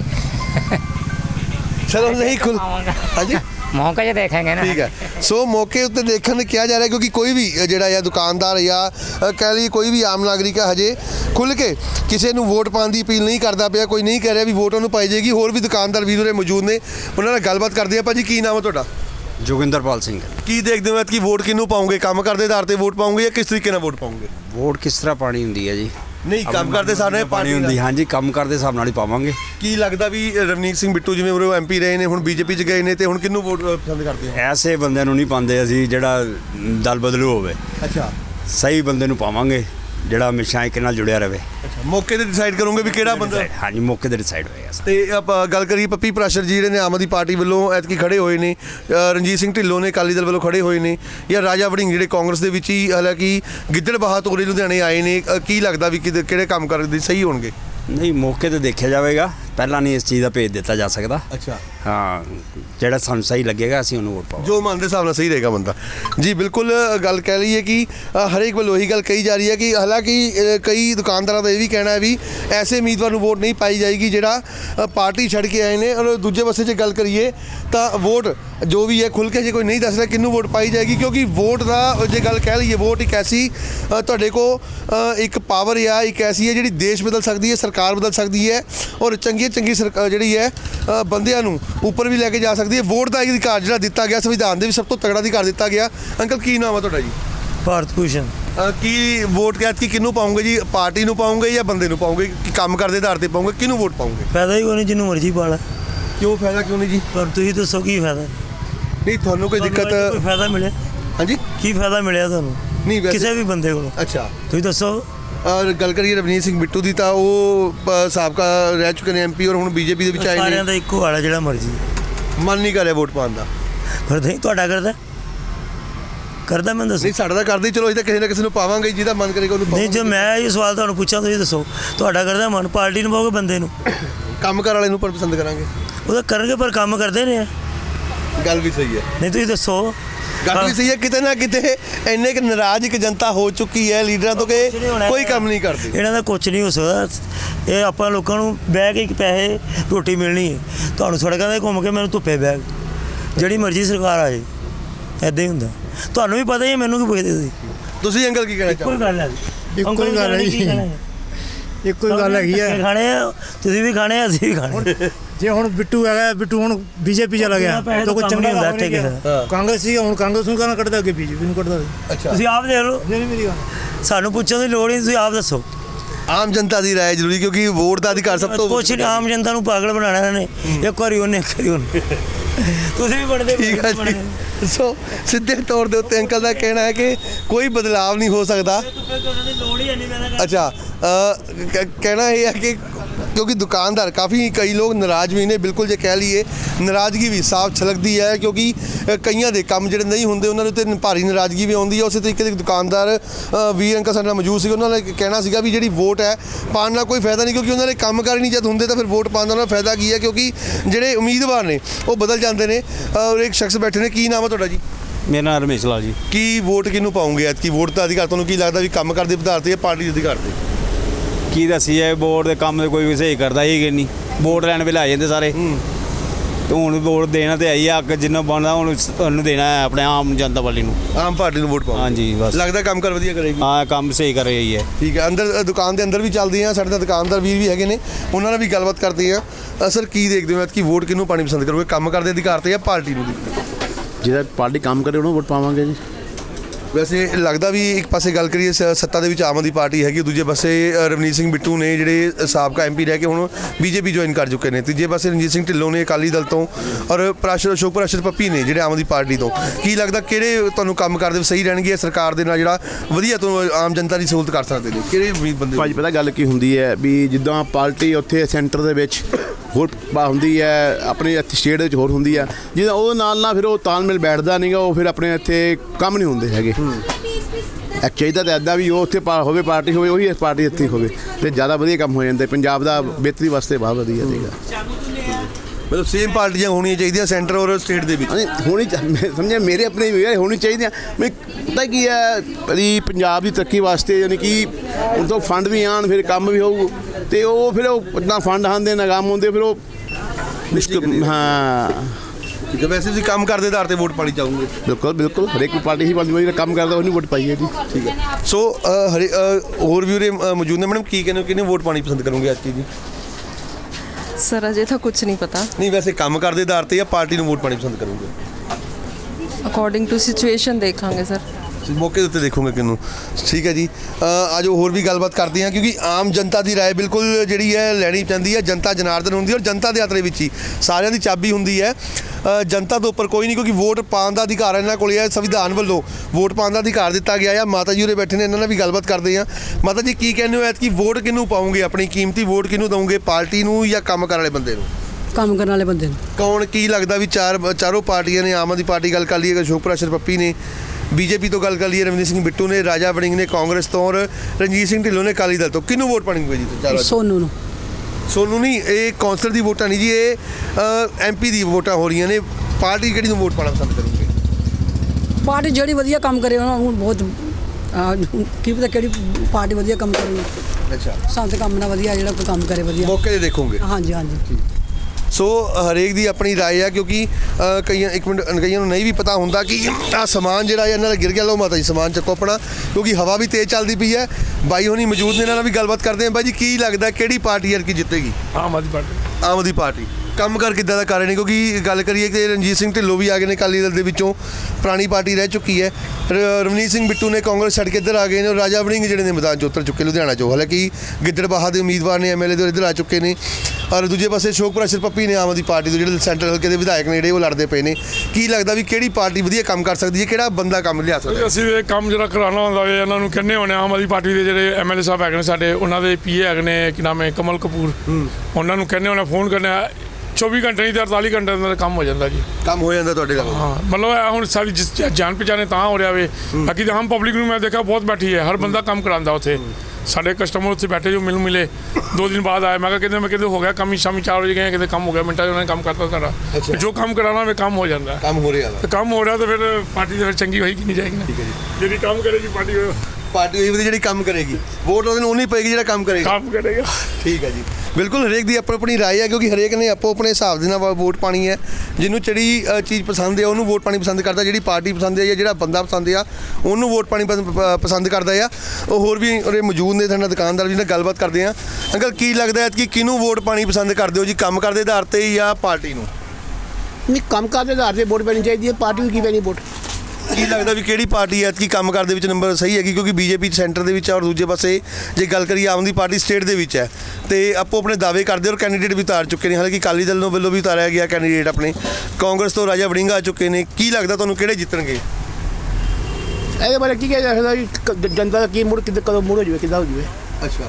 Speaker 1: ਚਲੋ ਨਹੀਂ ਖੁੱਲ,
Speaker 8: ਪਾਵਾਂਗਾ,
Speaker 1: ਹਾਂਜੀ
Speaker 8: ਮੌਕੇ 'ਚ ਦੇਖਾਂਗੇ ਨਾ।
Speaker 1: ਠੀਕ ਹੈ। ਸੋ ਮੌਕੇ ਉੱਤੇ ਦੇਖਣ ਨੂੰ ਕਿਹਾ ਜਾ ਰਿਹਾ, ਕਿਉਂਕਿ ਕੋਈ ਵੀ ਜਿਹੜਾ ਆ ਦੁਕਾਨਦਾਰ ਜਾਂ ਕਹਿ ਲਈਏ ਕੋਈ ਵੀ ਆਮ ਨਾਗਰਿਕ ਆ ਹਜੇ ਖੁੱਲ੍ਹ ਕੇ ਕਿਸੇ ਨੂੰ ਵੋਟ ਪਾਉਣ ਦੀ ਅਪੀਲ ਨਹੀਂ ਕਰਦਾ ਪਿਆ। ਕੋਈ ਨਹੀਂ ਕਹਿ ਰਿਹਾ ਵੀ ਵੋਟ ਉਹਨੂੰ ਪਾਈ ਜਾਏਗੀ। ਹੋਰ ਵੀ ਦੁਕਾਨਦਾਰ ਵੀਰ ਉਰੇ ਮੌਜੂਦ ਨੇ, ਉਹਨਾਂ ਨਾਲ ਗੱਲਬਾਤ ਕਰਦੇ ਆ। ਭਾਜੀ ਕੀ ਨਾਮ ਹੈ ਤੁਹਾਡਾ?
Speaker 3: ਜੋਗਿੰਦਰਪਾਲ ਸਿੰਘ।
Speaker 1: ਕੀ ਦੇਖਦੇ ਹੋ ਕਿ ਵੋਟ ਕਿਹਨੂੰ ਪਾਉਂਗੇ? ਕੰਮ ਕਰਦੇ ਆਧਾਰ ਤੇ ਵੋਟ ਪਾਉਂਗੇ ਜਾਂ ਕਿਸ ਤਰੀਕੇ ਨਾਲ ਵੋਟ ਪਾਉਂਗੇ?
Speaker 3: ਵੋਟ ਕਿਸ ਤਰ੍ਹਾਂ ਪਾਣੀ ਹੁੰਦੀ ਹੈ ਜੀ?
Speaker 1: ਨਹੀਂ, ਕੰਮ ਕਰਦੇ ਸਾਰੇ
Speaker 3: ਪਾਣੀ ਹੁੰਦੀ, ਹਾਂਜੀ ਕੰਮ ਕਰਦੇ ਹਿਸਾਬ ਨਾਲ ਹੀ ਪਾਵਾਂਗੇ।
Speaker 1: ਕੀ ਲੱਗਦਾ ਵੀ ਰਵਨੀਤ ਸਿੰਘ ਬਿੱਟੂ ਜਿਵੇਂ ਉਰੇ ਐਮਪੀ ਰਹੇ ਨੇ, ਹੁਣ ਬੀਜੇਪੀ 'ਚ ਗਏ ਨੇ, ਤੇ ਹੁਣ ਕਿਹਨੂੰ ਵੋਟ ਪਸੰਦ ਕਰਦੇ ਹੋ?
Speaker 3: ਐਸੇ ਬੰਦਿਆਂ ਨੂੰ ਨਹੀਂ ਪਾਉਂਦੇ ਅਸੀਂ ਜਿਹੜਾ ਦਲ ਬਦਲੂ ਹੋਵੇ।
Speaker 1: ਅੱਛਾ
Speaker 3: ਸਹੀ ਬੰਦੇ ਨੂੰ ਪਾਵਾਂਗੇ ਜਿਹੜਾ ਹਮੇਸ਼ਾ ਇੱਕ ਨਾਲ ਜੁੜਿਆ ਰਹੇ।
Speaker 1: ਅੱਛਾ, ਮੌਕੇ ਤੇ ਡਿਸਾਈਡ ਕਰੋਗੇ ਵੀ ਕਿਹੜਾ ਬੰਦਾ?
Speaker 3: ਹਾਂਜੀ, ਮੌਕੇ ਤੇ ਡਿਸਾਈਡ ਹੋਏਗਾ।
Speaker 1: ਤੇ ਆਪਾਂ ਗੱਲ ਕਰੀਏ ਪੱਪੀ ਪ੍ਰਾਸ਼ਰ ਜੀ ਜਿਹੜੇ ਨੇ ਆਮ ਆਦਮੀ ਪਾਰਟੀ ਵੱਲੋਂ ਐਤਕੀ ਖੜੇ ਹੋਏ ਨੇ, ਰਣਜੀਤ ਸਿੰਘ ਢਿੱਲੋਂ ਨੇ ਅਕਾਲੀ ਦਲ ਵੱਲੋਂ ਖੜੇ ਹੋਏ ਨੇ, ਜਾਂ ਰਾਜਾ ਵੜਿੰਗ ਜਿਹੜੇ ਕਾਂਗਰਸ ਦੇ ਵਿੱਚ ਹੀ ਹਾਲਾਂਕਿ ਗਿੱਦੜਬਾਹਾ ਤੋਂ ਲੁਧਿਆਣੇ ਆਏ ਨੇ, ਕੀ ਲੱਗਦਾ ਵੀ ਕਿਹੜੇ ਕੰਮ ਕਰਦੇ ਸਹੀ ਹੋਣਗੇ?
Speaker 3: ਨਹੀਂ, ਮੌਕੇ ਤੇ ਦੇਖਿਆ ਜਾਵੇਗਾ, ਪਹਿਲਾਂ ਨਹੀਂ ਇਸ ਚੀਜ਼ ਦਾ ਭੇਜ ਦਿੱਤਾ ਜਾ ਸਕਦਾ।
Speaker 1: ਅੱਛਾ,
Speaker 3: ਹਾਂ, ਜਿਹੜਾ ਸਾਨੂੰ ਸਹੀ ਲੱਗੇਗਾ ਅਸੀਂ ਉਹਨੂੰ ਵੋਟ ਪਾਵਾਂਗੇ।
Speaker 1: ਜੋ ਮਨ ਦੇ ਹਿਸਾਬ ਨਾਲ ਸਹੀ ਰਹੇਗਾ ਬੰਦਾ। ਜੀ ਬਿਲਕੁਲ, ਗੱਲ ਕਹਿ ਲਈਏ ਕਿ ਹਰੇਕ ਵੱਲੋਂ ਇਹੀ ਗੱਲ ਕਹੀ ਜਾ ਰਹੀ ਹੈ ਕਿ ਹਾਲਾਂਕਿ ਕਈ ਦੁਕਾਨਦਾਰਾਂ ਦਾ ਇਹ ਵੀ ਕਹਿਣਾ ਹੈ ਵੀ ਐਸੇ ਉਮੀਦਵਾਰ ਨੂੰ ਵੋਟ ਨਹੀਂ ਪਾਈ ਜਾਏਗੀ ਜਿਹੜਾ ਪਾਰਟੀ ਛੱਡ ਕੇ ਆਏ ਨੇ। ਔਰ ਦੂਜੇ ਪਾਸੇ 'ਚ ਗੱਲ ਕਰੀਏ ਤਾਂ ਵੋਟ ਜੋ ਵੀ ਹੈ ਖੁੱਲ੍ਹ ਕੇ ਜੇ ਕੋਈ ਨਹੀਂ ਦੱਸ ਰਿਹਾ ਕਿਹਨੂੰ ਵੋਟ ਪਾਈ ਜਾਏਗੀ, ਕਿਉਂਕਿ ਵੋਟ ਦਾ ਜੇ ਗੱਲ ਕਹਿ ਲਈਏ, ਵੋਟ ਇੱਕ ਐਸੀ ਤੁਹਾਡੇ ਕੋਲ ਇੱਕ ਪਾਵਰ ਆ, ਇੱਕ ਐਸੀ ਹੈ ਜਿਹੜੀ ਦੇਸ਼ ਬਦਲ ਸਕਦੀ ਹੈ, ਸਰਕਾਰ ਬਦਲ ਸਕਦੀ ਹੈ, ਔਰ ਚੰਗੀ ਸਰਕਾਰ ਜਿਹੜੀ ਹੈ ਬੰਦਿਆਂ ਨੂੰ ਉੱਪਰ ਵੀ ਲੈ ਕੇ ਜਾ ਸਕਦੀ ਹੈ। ਵੋਟ ਦਾ ਅਧਿਕਾਰ ਜਿਹੜਾ ਦਿੱਤਾ ਗਿਆ ਸੰਵਿਧਾਨ ਦੇ ਵੀ ਸਭ ਤੋਂ ਤਗੜਾ ਅਧਿਕਾਰ ਦਿੱਤਾ ਗਿਆ। ਅੰਕਲ ਕੀ ਨਾਮ ਹੈ ਤੁਹਾਡਾ ਜੀ?
Speaker 2: ਭਾਰਤ ਭੂਸ਼ਣ।
Speaker 1: ਕੀ ਵੋਟ ਕਿ ਕਿਹਨੂੰ ਪਾਉਂਗੇ ਜੀ? ਪਾਰਟੀ ਨੂੰ ਪਾਉਂਗੇ ਜਾਂ ਬੰਦੇ ਨੂੰ ਪਾਉਂਗੇ? ਕਿ ਕੰਮ ਕਰਦੇ ਆਧਾਰ ਤੇ ਪਾਉਂਗੇ? ਕਿਹਨੂੰ ਵੋਟ ਪਾਉਂਗੇ?
Speaker 2: ਫਾਇਦਾ ਹੀ ਕੋਈ ਨਹੀਂ, ਜਿਹਨੂੰ ਮਰਜ਼ੀ ਪਾ ਲੈ।
Speaker 1: ਕਿਉਂ ਫਾਇਦਾ ਕਿਉਂ ਨਹੀਂ ਜੀ?
Speaker 2: ਪਰ ਤੁਸੀਂ ਦੱਸੋ ਕੀ ਫਾਇਦਾ?
Speaker 1: ਨਹੀਂ, ਤੁਹਾਨੂੰ ਕੋਈ ਦਿੱਕਤ?
Speaker 2: ਕੋਈ ਫਾਇਦਾ ਮਿਲਿਆ?
Speaker 1: ਹਾਂਜੀ,
Speaker 2: ਕੀ ਫਾਇਦਾ ਮਿਲਿਆ ਤੁਹਾਨੂੰ
Speaker 1: ਨਹੀਂ ਵੈਸੇ
Speaker 2: ਕਿਸੇ ਵੀ ਬੰਦੇ ਕੋਲੋਂ?
Speaker 1: ਅੱਛਾ,
Speaker 2: ਤੁਸੀਂ ਦੱਸੋ।
Speaker 1: ਔਰ ਗੱਲ ਕਰੀਏ ਰਵਨੀਤ ਸਿੰਘ ਬਿੱਟੂ ਦੀ ਤਾਂ ਉਹ ਸਾਬਕਾ ਰਹਿ ਚੁੱਕੇ ਨੇ ਐਮਪੀ, ਔਰ ਹੁਣ ਬੀਜੇਪੀ ਦੇ ਵਿੱਚ ਆਏ
Speaker 2: ਸਾਰਿਆਂ
Speaker 1: ਨੇ।
Speaker 2: ਦਾ ਇੱਕੋ ਵਾਲਾ, ਜਿਹੜਾ ਮਰਜ਼ੀ।
Speaker 1: ਮਨ ਨਹੀਂ ਕਰ ਰਿਹਾ ਵੋਟ ਪਾਉਣ ਦਾ?
Speaker 2: ਫਿਰ ਨਹੀਂ ਤੁਹਾਡਾ ਕਰਦਾ ਮੈਨੂੰ ਦੱਸੋ।
Speaker 1: ਨਹੀਂ, ਸਾਡਾ ਤਾਂ ਕਰਦੇ ਹੀ, ਚਲੋ ਅਸੀਂ ਤਾਂ ਕਿਸੇ ਨਾ ਕਿਸੇ ਨੂੰ ਪਾਵਾਂਗੇ, ਜਿਹਦਾ ਮਨ ਕਰੇਗਾ ਉਹਨੂੰ
Speaker 2: ਨਹੀਂ,
Speaker 1: ਪਾਵਾਂਗੇ।
Speaker 2: ਜੋ ਮੈਂ ਇਹ ਸਵਾਲ ਤੁਹਾਨੂੰ ਪੁੱਛਾਂ ਤੁਸੀਂ ਦੱਸੋ, ਤੁਹਾਡਾ ਕਰਦਾ ਮਨ ਪਾਰਟੀ ਨੂੰ ਪਾਓਗੇ ਬੰਦੇ ਨੂੰ?
Speaker 1: ਕੰਮ ਕਰ ਵਾਲੇ ਨੂੰ ਪਰ ਪਸੰਦ ਕਰਾਂਗੇ।
Speaker 2: ਉਹ ਤਾਂ ਕਰਨਗੇ ਪਰ ਕੰਮ ਕਰਦੇ ਨੇ।
Speaker 1: ਗੱਲ ਵੀ ਸਹੀ ਹੈ,
Speaker 2: ਨਹੀਂ ਤੁਸੀਂ ਦੱਸੋ।
Speaker 1: ਗੱਲ ਵੀ ਸਹੀ ਹੈ। ਕਿਤੇ ਨਾ ਕਿਤੇ ਇੰਨੇ ਕਿ ਨਾਰਾਜ਼ ਇੱਕ ਜਨਤਾ ਹੋ ਚੁੱਕੀ ਹੈ ਲੀਡਰਾਂ ਤੋਂ ਕਿ ਕੋਈ ਕੰਮ ਨਹੀਂ ਕਰਦੇ।
Speaker 2: ਇਹਨਾਂ ਦਾ ਕੁਝ ਨਹੀਂ ਹੋ ਸਕਦਾ। ਇਹ ਆਪਾਂ ਲੋਕਾਂ ਨੂੰ ਬਹਿ ਕੇ ਪੈਸੇ ਰੋਟੀ ਮਿਲਣੀ ਹੈ, ਤੁਹਾਨੂੰ ਸੜਕਾਂ 'ਤੇ ਘੁੰਮ ਕੇ ਮੈਨੂੰ ਧੁੱਪੇ ਬਹਿ ਜਿਹੜੀ ਮਰਜ਼ੀ ਸਰਕਾਰ ਆ ਜਾਏ, ਇੱਦਾਂ ਹੀ ਹੁੰਦਾ। ਤੁਹਾਨੂੰ ਵੀ ਪਤਾ ਹੀ ਹੈ, ਮੈਨੂੰ ਕੀ ਪੁੱਛਦੇ
Speaker 1: ਤੁਸੀਂ ਅੰਕਲ ਕੀ ਕਹਿਣਾ ਚਾਹੋਗੇ?
Speaker 2: ਕੋਈ ਗੱਲ ਹੈ,
Speaker 6: ਇੱਕੋ ਹੀ ਗੱਲ ਹੈ ਜੀ, ਇੱਕੋ ਹੀ ਗੱਲ ਹੈਗੀ ਹੈ।
Speaker 2: ਖਾਣੇ ਆ ਤੁਸੀਂ ਵੀ ਖਾਣੇ, ਅਸੀਂ ਵੀ ਖਾਣੇ।
Speaker 6: ਜੇ ਹੁਣ ਬਿੱਟੂ ਹੈਗਾ, ਬਿੱਟੂ ਹੁਣ ਬੀਜੇਪੀ ਚਲਾ ਗਿਆ ਤਾਂ ਕੋਈ ਚੰਗੀ ਹੁੰਦਾ ਇੱਥੇ ਕਿਸੇ ਕਾਂਗਰਸ ਸੀ, ਹੁਣ ਕਾਂਗਰਸ ਨੂੰ ਕਹਿਣਾ ਕੱਢਦਾ, ਅੱਗੇ ਬੀਜੇਪੀ ਨੂੰ ਕੱਢਦਾ।
Speaker 1: ਅੱਛਾ,
Speaker 2: ਤੁਸੀਂ ਆਪ ਦੇਖ ਲਓ,
Speaker 6: ਨਹੀਂ ਮੇਰੀ ਗੱਲ,
Speaker 2: ਸਾਨੂੰ ਪੁੱਛਣ ਦੀ ਲੋੜ ਨਹੀਂ, ਤੁਸੀਂ ਆਪ ਦੱਸੋ।
Speaker 1: ਆਮ ਜਨਤਾ ਦੀ ਰਾਏ ਜ਼ਰੂਰੀ, ਕਿਉਂਕਿ ਵੋਟ ਦਾ ਅਧਿਕਾਰ ਸਭ ਤੋਂ
Speaker 2: ਕੁਛ ਨਹੀਂ, ਆਮ ਜਨਤਾ ਨੂੰ ਪਾਗਲ ਬਣਾਉਣਾ ਇਹਨਾਂ ਨੇ, ਇੱਕ ਵਾਰੀ ਉਹਨੇ, ਇੱਕ ਵਾਰੀ ਉਹਨੇ। ਤੁਸੀਂ ਵੀ ਬਣਦੇ।
Speaker 1: ਠੀਕ ਹੈ ਜੀ। ਸੋ ਸਿੱਧੇ ਤੌਰ ਦੇ ਉੱਤੇ ਅੰਕਲ ਦਾ ਕਹਿਣਾ ਹੈ ਕਿ ਕੋਈ ਬਦਲਾਵ ਨਹੀਂ ਹੋ ਸਕਦਾ। ਅੱਛਾ, ਕਹਿਣਾ ਇਹ ਹੈ ਕਿ ਕਿਉਂਕਿ ਦੁਕਾਨਦਾਰ ਕਾਫੀ ਕਈ ਲੋਕ ਨਾਰਾਜ਼ ਵੀ ਨੇ। ਬਿਲਕੁਲ ਜੇ ਕਹਿ ਲਈਏ ਨਾਰਾਜ਼ਗੀ ਵੀ ਸਾਫ਼ ਛਲਕਦੀ ਹੈ, ਕਿਉਂਕਿ ਕਈਆਂ ਦੇ ਕੰਮ ਜਿਹੜੇ ਨਹੀਂ ਹੁੰਦੇ ਉਹਨਾਂ ਦੇ ਉੱਤੇ ਭਾਰੀ ਨਾਰਾਜ਼ਗੀ ਵੀ ਆਉਂਦੀ ਹੈ। ਉਸੇ ਤਰੀਕੇ ਦੇ ਦੁਕਾਨਦਾਰ ਵੀਰ ਅੰਕਲ ਸਾਡੇ ਨਾਲ ਮੌਜੂਦ ਸੀਗੇ, ਉਹਨਾਂ ਦਾ ਕਹਿਣਾ ਸੀਗਾ ਵੀ ਜਿਹੜੀ ਵੋਟ ਹੈ ਪਾਉਣ ਨਾਲ ਕੋਈ ਫਾਇਦਾ ਨਹੀਂ, ਕਿਉਂਕਿ ਉਹਨਾਂ ਦੇ ਕੰਮਕਾਰ ਹੀ ਨਹੀਂ ਜਦ ਹੁੰਦੇ ਤਾਂ ਫਿਰ ਵੋਟ ਪਾਉਣ ਦਾ ਫਾਇਦਾ ਕੀ ਹੈ? ਕਿਉਂਕਿ ਜਿਹੜੇ ਉਮੀਦਵਾਰ ਨੇ ਉਹ ਬਦਲ ਜਾਂਦੇ ਨੇ। ਔਰ ਇੱਕ ਸ਼ਖਸ ਬੈਠੇ ਨੇ, ਕੀ ਨਾਮ ਹੈ ਤੁਹਾਡਾ ਜੀ?
Speaker 9: ਮੇਰਾ ਨਾਮ ਰਮੇਸ਼ ਲਾਲ ਜੀ।
Speaker 1: ਕੀ ਵੋਟ ਕਿਹਨੂੰ ਪਾਉਂਗੇ ਐਤਕੀ? ਵੋਟ ਦਾ ਅਧਿਕਾਰ ਤੁਹਾਨੂੰ ਕੀ ਲੱਗਦਾ ਵੀ ਕੰਮ ਕਰਦੇ ਆਧਾਰ ਤੇ ਜਾਂ ਪਾਰਟੀ ਦੇ ਅਧਿਕਾਰ ਤੇ?
Speaker 9: ਕੀ ਦੱਸੀਏ, ਵੋਟ ਦੇ ਕੰਮ ਦੇ ਕੋਈ ਸਹੀ ਕਰਦਾ ਹੀ ਨਹੀਂ। ਵੋਟ ਲੈਣ ਵੇਲੇ ਆ ਜਾਂਦੇ ਸਾਰੇ। ਤੇ ਹੁਣ ਵੋਟ ਦੇਣਾ ਤੇ ਆਈ ਆ, ਜਿੰਨਾ ਬਣਦਾ ਹੁਣ ਤੁਹਾਨੂੰ ਦੇਣਾ ਹੈ ਆਪਣੇ ਆਮ ਜਨਤਾ ਵਾਲੀ ਨੂੰ,
Speaker 1: ਆਮ ਪਾਰਟੀ ਨੂੰ ਵੋਟ ਪਾਓ।
Speaker 9: ਹਾਂਜੀ, ਬਸ
Speaker 1: ਲੱਗਦਾ ਕੰਮ ਕਰ ਵਧੀਆ ਕਰੇਗੀ।
Speaker 9: ਹਾਂ, ਕੰਮ ਸਹੀ ਕਰ ਰਹੀ ਹੈ।
Speaker 1: ਠੀਕ ਹੈ, ਅੰਦਰ ਦੁਕਾਨ ਦੇ ਅੰਦਰ ਵੀ ਚੱਲਦੇ ਆ, ਸਾਡੇ ਨਾਲ ਦੁਕਾਨਦਾਰ ਵੀਰ ਵੀ ਹੈਗੇ ਨੇ, ਉਹਨਾਂ ਨਾਲ ਵੀ ਗੱਲਬਾਤ ਕਰਦੇ ਆ। ਸਰ ਕੀ ਦੇਖਦੇ ਹੋ ਕਿ ਵੋਟ ਕਿਹਨੂੰ ਪਾਣੀ ਪਸੰਦ ਕਰੋਗੇ? ਕੰਮ ਕਰਦੇ ਅਧਿਕਾਰ ਤੇ ਜਾਂ ਪਾਰਟੀ ਨੂੰ?
Speaker 10: ਜਿਹਦਾ ਪਾਰਟੀ ਕੰਮ ਕਰੇ ਉਹਨੂੰ ਵੋਟ ਪਾਵਾਂਗੇ ਜੀ।
Speaker 1: ਵੈਸੇ ਲੱਗਦਾ ਵੀ ਇੱਕ ਪਾਸੇ ਗੱਲ ਕਰੀਏ ਸੱਤਾ ਦੇ ਵਿੱਚ ਆਮ ਆਦਮੀ ਪਾਰਟੀ ਹੈਗੀ, ਦੂਜੇ ਪਾਸੇ ਰਵਨੀਤ ਸਿੰਘ ਬਿੱਟੂ ਨੇ ਜਿਹੜੇ ਸਾਬਕਾ ਐਮਪੀ ਰਹਿ ਕੇ ਹੁਣ ਬੀਜੇਪੀ ਜੁਆਇਨ ਕਰ ਚੁੱਕੇ ਨੇ, ਤੀਜੇ ਪਾਸੇ ਰਣਜੀਤ ਸਿੰਘ ਢਿੱਲੋਂ ਨੇ ਅਕਾਲੀ ਦਲ ਤੋਂ ਔਰ ਅਸ਼ੋਕ ਪ੍ਰਸ਼ਰ ਪੱਪੀ ਨੇ ਜਿਹੜੇ ਆਮ ਆਦਮੀ ਪਾਰਟੀ ਤੋਂ। ਕੀ ਲੱਗਦਾ ਕਿਹੜੇ ਤੁਹਾਨੂੰ ਕੰਮ ਕਰਦੇ ਸਹੀ ਰਹਿਣਗੇ ਸਰਕਾਰ ਦੇ ਨਾਲ, ਜਿਹੜਾ ਵਧੀਆ ਤੋਂ ਆਮ ਜਨਤਾ ਦੀ ਸਹੂਲਤ ਕਰ ਸਕਦੇ ਨੇ, ਕਿਹੜੇ ਉਮੀਦ ਬੰਦੇ?
Speaker 6: ਭਾਜੀ ਪਤਾ ਗੱਲ ਕੀ ਹੁੰਦੀ ਹੈ ਵੀ ਜਿੱਦਾਂ ਪਾਰਟੀ ਉੱਥੇ ਸੈਂਟਰ ਦੇ ਵਿੱਚ ਹੋਰ ਹੁੰਦੀ ਹੈ, ਆਪਣੇ ਇੱਥੇ ਸਟੇਟ ਵਿੱਚ ਹੋਰ ਹੁੰਦੀ ਆ, ਜਿਹਦਾ ਉਹਦੇ ਨਾਲ ਫਿਰ ਉਹ ਤਾਲਮੇਲ ਬੈਠਦਾ ਨਹੀਂਗਾ, ਉਹ ਫਿਰ ਆਪਣੇ ਇੱਥੇ ਕੰਮ ਨਹੀਂ ਹੁੰਦੇ ਹੈਗੇ। ਚਾਹੀਦਾ ਤਾਂ ਇੱਦਾਂ ਵੀ ਉਹ ਉੱਥੇ ਹੋਵੇ ਪਾਰਟੀ ਹੋਵੇ, ਉਹੀ ਪਾਰਟੀ ਇੱਥੇ ਹੋਵੇ ਤੇ ਜ਼ਿਆਦਾ ਵਧੀਆ ਕੰਮ ਹੋ ਜਾਂਦਾ, ਪੰਜਾਬ ਦਾ ਬਿਹਤਰੀ ਵਾਸਤੇ ਬਹੁਤ ਵਧੀਆ ਸੀਗਾ।
Speaker 1: ਮਤਲਬ ਸੇਮ ਪਾਰਟੀਆਂ ਹੋਣੀਆਂ ਚਾਹੀਦੀਆਂ ਸੈਂਟਰ ਔਰ ਸਟੇਟ ਦੇ ਵਿੱਚ।
Speaker 6: ਹੋਣੀ ਸਮਝਿਆ ਮੇਰੇ ਆਪਣੇ ਹੋਣੀ ਚਾਹੀਦੀਆਂ। ਮੈਂ ਪਤਾ ਕੀ ਹੈ ਵੀ ਪੰਜਾਬ ਦੀ ਤਰੱਕੀ ਵਾਸਤੇ ਯਾਨੀ ਕਿ ਹੁਣ ਤੋਂ ਫੰਡ ਵੀ ਆਉਣ, ਫਿਰ ਕੰਮ ਵੀ ਹੋਊ ਤੇ ਉਹ ਫਿਰ ਉਹ ਨਾ ਫੰਡ ਆਉਂਦੇ ਨਾ ਕੰਮ ਹੁੰਦੇ, ਫਿਰ ਉਹ ਹਾਂ
Speaker 1: ਠੀਕ ਹੈ। ਵੈਸੇ ਤੁਸੀਂ ਕੰਮ ਕਰਦੇ ਆਧਾਰ ਤੇ ਵੋਟ ਪਾਣੀ ਚਾਹੋਗੇ?
Speaker 6: ਬਿਲਕੁਲ ਬਿਲਕੁਲ, ਹਰੇਕ ਪਾਰਟੀ ਹੀ ਬਣਦੀ ਜਿਹੜਾ ਕੰਮ ਕਰਦਾ ਉਹਨੂੰ ਵੋਟ ਪਾਈ ਹੈ ਜੀ।
Speaker 1: ਠੀਕ ਹੈ। ਸੋ ਹੋਰ ਵੀ ਉਰੇ ਮੌਜੂਦ ਨੇ ਮੈਡਮ, ਕੀ ਕਹਿੰਦੇ ਕਿਹਨੂੰ ਵੋਟ ਪਾਣੀ ਪਸੰਦ ਕਰੋਗੇ ਅੱਜ ਜੀ?
Speaker 10: ਸਰ ਅਜੇ ਤਾਂ ਕੁਝ ਨਹੀਂ ਪਤਾ।
Speaker 1: ਨਹੀਂ ਵੈਸੇ ਕੰਮ ਕਰਦੇ ਆਧਾਰ ਤੇ ਜਾਂ ਪਾਰਟੀ ਨੂੰ ਵੋਟ ਪਾਣੀ ਪਸੰਦ ਕਰੋਗੇ?
Speaker 10: ਅਕੋਰਡਿੰਗ ਟੂ ਸਿਚੁਏਸ਼ਨ ਦੇਖਾਂਗੇ ਸਰ।
Speaker 1: ਮੌਕੇ ਦੇ ਉੱਤੇ ਦੇਖੋਗੇ ਕਿਹਨੂੰ। ਠੀਕ ਹੈ ਜੀ, ਆਜੋ ਹੋਰ ਵੀ ਗੱਲਬਾਤ ਕਰਦੇ ਹਾਂ, ਕਿਉਂਕਿ ਆਮ ਜਨਤਾ ਦੀ ਰਾਏ ਬਿਲਕੁਲ ਜਿਹੜੀ ਹੈ ਲੈਣੀ ਪੈਂਦੀ ਹੈ। ਜਨਤਾ ਜਨਾਰਦਨ ਹੁੰਦੀ ਹੈ ਔਰ ਜਨਤਾ ਦੇ ਹੱਥ ਦੇ ਵਿੱਚ ਹੀ ਸਾਰਿਆਂ ਦੀ ਚਾਬੀ ਹੁੰਦੀ ਹੈ, ਜਨਤਾ ਤੋਂ ਉੱਪਰ ਕੋਈ ਨਹੀਂ, ਕਿਉਂਕਿ ਵੋਟ ਪਾਉਣ ਦਾ ਅਧਿਕਾਰ ਇਹਨਾਂ ਕੋਲ ਹੈ। ਸੰਵਿਧਾਨ ਵੱਲੋਂ ਵੋਟ ਪਾਉਣ ਦਾ ਅਧਿਕਾਰ ਦਿੱਤਾ ਗਿਆ ਹੈ। ਮਾਤਾ ਜੀ ਉਰੇ ਬੈਠੇ ਨੇ, ਇਹਨਾਂ ਨਾਲ ਵੀ ਗੱਲਬਾਤ ਕਰਦੇ ਹਾਂ। ਮਾਤਾ ਜੀ ਕੀ ਕਹਿੰਦੇ ਹੋ ਐਤਕੀ ਵੋਟ ਕਿਹਨੂੰ ਪਾਓਗੇ? ਆਪਣੀ ਕੀਮਤੀ ਵੋਟ ਕਿਹਨੂੰ ਦਵੋਗੇ, ਪਾਰਟੀ ਨੂੰ ਜਾਂ ਕੰਮ ਕਰਨ ਵਾਲੇ ਬੰਦੇ ਨੂੰ?
Speaker 11: ਕੰਮ ਕਰਨ ਵਾਲੇ ਬੰਦੇ ਨੂੰ।
Speaker 1: ਕੌਣ? ਕੀ ਲੱਗਦਾ ਵੀ ਚਾਰੋਂ ਪਾਰਟੀਆਂ ਨੇ, ਆਮ ਆਦਮੀ ਪਾਰਟੀ ਗੱਲ ਕਰ ਲਈਏ, ਅਸ਼ੋਕ ਪ੍ਰਸ਼ਰ ਪੱਪੀ ਨੇ, ਬੀਜੇਪੀ ਤੋਂ ਗੱਲ ਕਰ ਲਈਏ ਰਵਨੀਤ ਸਿੰਘ ਬਿੱਟੂ ਨੇ, ਰਾਜਾ ਵੜਿੰਗ ਨੇ ਕਾਂਗਰਸ ਤੋਂ ਔਰ ਰਣਜੀਤ ਸਿੰਘ ਢਿੱਲੋਂ ਨੇ ਅਕਾਲੀ ਦਲ ਤੋਂ, ਕਿਹਨੂੰ ਵੋਟ ਪਾਣੀ ਹੋਊਗੀ ਜੀ?
Speaker 11: ਸੋਨੂ ਨੂੰ।
Speaker 1: ਸੋਨੂ ਨਹੀਂ, ਇਹ ਕੌਂਸਲਰ ਦੀ ਵੋਟਾਂ ਨਹੀਂ ਜੀ, ਇਹ ਐਮਪੀ ਦੀ ਵੋਟਾਂ ਹੋ ਰਹੀਆਂ ਨੇ। ਪਾਰਟੀ ਕਿਹੜੀ ਨੂੰ ਵੋਟ ਪਾਣਾ ਪਸੰਦ ਕਰੋਗੇ?
Speaker 11: ਪਾਰਟੀ ਜਿਹੜੀ ਵਧੀਆ ਕੰਮ ਕਰੇ ਉਹਨੂੰ ਬਹੁਤ ਕੀ ਪਤਾ ਕਿਹੜੀ ਪਾਰਟੀ ਵਧੀਆ ਕੰਮ ਕਰੇ।
Speaker 1: ਅੱਛਾ,
Speaker 11: ਸੰਤ ਕੰਮ ਨਾਲ ਵਧੀਆ ਜਿਹੜਾ ਕੋਈ ਕੰਮ ਕਰੇ ਵਧੀਆ।
Speaker 1: ਮੌਕੇ 'ਤੇ ਦੇਖੋਗੇ?
Speaker 11: ਹਾਂਜੀ ਹਾਂਜੀ।
Speaker 1: ਸੋ ਹਰੇਕ ਦੀ ਆਪਣੀ ਰਾਏ ਆ, ਕਿਉਂਕਿ ਕਈਆਂ ਨੂੰ ਨਹੀਂ ਵੀ ਪਤਾ ਹੁੰਦਾ ਕਿ ਆਹ ਸਮਾਨ ਜਿਹੜਾ ਇਹਨਾਂ ਦਾ ਗਿਰ ਗਿਆ। ਲਓ ਮਾਤਾ ਜੀ ਸਮਾਨ ਚੱਕੋ ਆਪਣਾ, ਕਿਉਂਕਿ ਹਵਾ ਵੀ ਤੇਜ਼ ਚੱਲਦੀ ਪਈ ਹੈ। ਬਾਈ ਹੋਣੀ ਮੌਜੂਦ ਨੇ, ਇਹਨਾਂ ਨਾਲ ਵੀ ਗੱਲਬਾਤ ਕਰਦੇ ਹਾਂ। ਬਾਈ ਜੀ ਕੀ ਲੱਗਦਾ ਕਿਹੜੀ ਪਾਰਟੀ ਯਾਰ ਕੀ ਜਿੱਤੇਗੀ?
Speaker 6: ਆਮ ਆਦਮੀ ਪਾਰਟੀ।
Speaker 1: ਆਮ ਆਦਮੀ ਪਾਰਟੀ ਕੰਮ ਕਰ ਕਿੱਦਾਂ ਦਾ ਕਰ ਰਹੇ ਨੇ? ਕਿਉਂਕਿ ਗੱਲ ਕਰੀਏ ਕਿ ਰਣਜੀਤ ਸਿੰਘ ਢਿੱਲੋਂ ਵੀ ਆ ਗਏ ਨੇ, ਅਕਾਲੀ ਦਲ ਦੇ ਵਿੱਚੋਂ ਪੁਰਾਣੀ ਪਾਰਟੀ ਰਹਿ ਚੁੱਕੀ ਹੈ। ਰਵਨੀਤ ਸਿੰਘ ਬਿੱਟੂ ਨੇ ਕਾਂਗਰਸ ਛੱਡ ਕੇ ਇੱਧਰ ਆ ਗਏ ਨੇ, ਰਾਜਾ ਵੜਿੰਗ ਜਿਹੜੇ ਨੇ ਮੈਦਾਨ 'ਚ ਉਤਰ ਚੁੱਕੇ ਲੁਧਿਆਣਾ 'ਚੋਂ। ਹਾਲਾਂਕਿ ਗਿੱਦੜਬਾਹਾ ਦੇ ਉਮੀਦਵਾਰ ਨੇ, ਐਮਐਲਏ ਦੇ ਇੱਧਰ ਆ ਚੁੱਕੇ ਨੇ। ਔਰ ਦੂਜੇ ਪਾਸੇ ਅਸ਼ੋਕ ਪ੍ਰਸ਼ਰ ਪੱਪੀ ਨੇ ਆਮ ਆਦਮੀ ਪਾਰਟੀ ਤੋਂ, ਜਿਹੜੇ ਸੈਂਟਰਲ ਹਲਕੇ ਦੇ ਵਿਧਾਇਕ ਨੇ ਜਿਹੜੇ ਉਹ ਲੜਦੇ ਪਏ ਨੇ। ਕੀ ਲੱਗਦਾ ਵੀ ਕਿਹੜੀ ਪਾਰਟੀ ਵਧੀਆ ਕੰਮ ਕਰ ਸਕਦੀ ਹੈ, ਕਿਹੜਾ ਬੰਦਾ ਕੰਮ ਲਿਆ ਸਕਦਾ?
Speaker 12: ਅਸੀਂ ਇਹ ਕੰਮ ਜਿਹੜਾ ਕਰਾਉਣਾ ਹੁੰਦਾ ਵੇ ਇਹਨਾਂ ਨੂੰ ਕਹਿੰਦੇ ਹੋਣੇ। ਆਮ ਆਦਮੀ ਪਾਰਟੀ ਦੇ ਜਿਹੜੇ ਐਮਐਲਏ ਸਾਹਿਬ ਹੈਗੇ ਨੇ ਸਾਡੇ, ਉਹਨਾਂ ਦੇ ਪੀਏ ਹੈਗੇ ਨੇ, ਕੀ ਨਾਮ ਹੈ, ਕਮਲ ਕਪੂਰ, ਉਹਨਾਂ ਨੂੰ ਕਹਿੰਦੇ ਹੋਣੇ, ਫੋਨ ਕਰਨੇ 24 ਘੰਟੇ ਨਹੀਂ ਤਾਂ 48 ਘੰਟੇ ਦਾ ਕੰਮ ਹੋ ਜਾਂਦਾ ਜੀ।
Speaker 1: ਕੰਮ ਹੋ ਜਾਂਦਾ ਤੁਹਾਡੇ ਨਾਲ?
Speaker 12: ਹਾਂ, ਮਤਲਬ ਇਹ ਹੁਣ ਸਾਰੀ ਜਾਣ ਪਛਾਣੇ ਤਾਂ ਹੋ ਰਿਹਾ ਵੇ। ਬਾਕੀ ਤਾਂ ਆਮ ਪਬਲਿਕ ਨੂੰ ਮੈਂ ਦੇਖਿਆ ਬਹੁਤ ਬੈਠੀ ਹੈ, ਹਰ ਬੰਦਾ ਕੰਮ ਕਰਾਉਂਦਾ ਉੱਥੇ। ਸਾਡੇ ਕਸਟਮਰ ਉੱਥੇ ਬੈਠੇ ਜੋ ਮੈਨੂੰ ਮਿਲੇ 2 ਦਿਨ ਬਾਅਦ ਆਏ, ਮੈਂ ਕਿਹਾ ਕਹਿੰਦੇ ਹੋ ਗਿਆ ਕੰਮ, ਸ਼ਾਮੀ 4 ਵਜੇ ਗਏ, ਕਹਿੰਦੇ ਕੰਮ ਹੋ ਗਿਆ, ਮਿੰਟਾਂ 'ਚ ਉਹਨਾਂ ਨੇ ਕੰਮ ਕਰਤਾ ਸਾਡਾ। ਜੋ ਕੰਮ ਕਰਾਉਣਾ ਵੇ ਕੰਮ ਹੋ ਜਾਂਦਾ।
Speaker 1: ਕੰਮ ਹੋ ਰਿਹਾ
Speaker 12: ਤੇ ਕੰਮ ਹੋ ਰਿਹਾ ਤਾਂ ਫਿਰ ਪਾਰਟੀ ਤਾਂ ਫਿਰ ਚੰਗੀ ਹੋਏਗੀ ਨਹੀਂ ਜਾਏਗੀ ਨਾ। ਜਿਹੜੀ ਕੰਮ ਕਰੇਗੀ
Speaker 1: ਪਾਰਟੀ ਉਹੀ ਵਧੀਆ ਜਿਹੜੀ ਕੰਮ ਕਰੇਗੀ। ਵੋਟ ਉਹਦੇ ਨੂੰ ਉਨੀ ਪਏਗੀ ਜਿਹੜਾ ਕੰਮ ਕਰੇਗਾ। ਠੀਕ ਹੈ ਜੀ, ਬਿਲਕੁਲ ਹਰੇਕ ਦੀ ਆਪਣੀ ਆਪਣੀ ਰਾਏ ਹੈ, ਕਿਉਂਕਿ ਹਰੇਕ ਨੇ ਆਪੋ ਆਪਣੇ ਹਿਸਾਬ ਦੇ ਨਾਲ ਵੋਟ ਪਾਣੀ ਹੈ। ਜਿਹਨੂੰ ਜਿਹੜੀ ਚੀਜ਼ ਪਸੰਦ ਹੈ ਉਹਨੂੰ ਵੋਟ ਪਾਣੀ ਪਸੰਦ ਕਰਦਾ, ਜਿਹੜੀ ਪਾਰਟੀ ਪਸੰਦ ਹੈ ਜਾਂ ਜਿਹੜਾ ਬੰਦਾ ਪਸੰਦ ਆ ਉਹਨੂੰ ਵੋਟ ਪਾਣੀ ਪਸੰਦ ਕਰਦਾ ਆ। ਉਹ ਹੋਰ ਵੀ ਉਰੇ ਮੌਜੂਦ ਨੇ, ਸਾਡੇ ਦੁਕਾਨਦਾਰ ਵੀ ਨਾਲ ਗੱਲਬਾਤ ਕਰਦੇ ਆ। ਅੰਕਲ ਕੀ ਲੱਗਦਾ ਹੈ ਕਿ ਕਿਹਨੂੰ ਵੋਟ ਪਾਣੀ ਪਸੰਦ ਕਰਦੇ ਹੋ ਜੀ, ਕੰਮ ਕਰਦੇ ਆਧਾਰ ਤੇ ਜਾਂ ਪਾਰਟੀ ਨੂੰ?
Speaker 6: ਨਹੀਂ, ਕੰਮ ਕਰਦੇ ਆਧਾਰ ਤੇ ਵੋਟ ਪੈਣੀ ਚਾਹੀਦੀ ਹੈ, ਪਾਰਟੀ ਨੂੰ ਕੀ ਪੈਣੀ ਵੋਟ?
Speaker 1: ਕੀ ਲੱਗਦਾ ਵੀ ਕਿਹੜੀ ਪਾਰਟੀ ਹੈ ਕਿ ਕੰਮ ਕਰਨ ਦੇ ਵਿੱਚ ਨੰਬਰ ਸਹੀ ਹੈਗੀ? ਕਿਉਂਕਿ ਬੀਜੇਪੀ ਸੈਂਟਰ ਦੇ ਵਿੱਚ ਹੈ ਔਰ ਦੂਜੇ ਪਾਸੇ ਜੇ ਗੱਲ ਕਰੀਏ ਆਮ ਆਦਮੀ ਪਾਰਟੀ ਸਟੇਟ ਦੇ ਵਿੱਚ ਹੈ, ਤੇ ਆਪੋ ਆਪਣੇ ਦਾਅਵੇ ਕਰਦੇ ਔਰ ਕੈਂਡੀਡੇਟ ਵੀ ਉਤਾਰ ਚੁੱਕੇ ਨੇ। ਹਾਲਾਂਕਿ ਅਕਾਲੀ ਦਲ ਵੱਲੋਂ ਵੀ ਉਤਾਰਿਆ ਗਿਆ ਕੈਂਡੀਡੇਟ ਆਪਣੇ, ਕਾਂਗਰਸ ਤੋਂ ਰਾਜਾ ਵੜਿੰਗ ਆ ਚੁੱਕੇ ਨੇ। ਕੀ ਲੱਗਦਾ ਤੁਹਾਨੂੰ ਕਿਹੜੇ ਜਿੱਤਣਗੇ?
Speaker 6: ਇਹਦੇ ਬਾਰੇ ਕੀ ਕਿਹਾ ਜਾ ਸਕਦਾ ਜੀ? ਜਨਤਾ ਦਾ ਕੀ ਮੁੜ ਕਦੋਂ ਮੁੜ ਹੋ ਜਾਵੇ, ਕਿੱਦਾਂ ਹੋ ਜਾਵੇ?
Speaker 1: ਅੱਛਾ,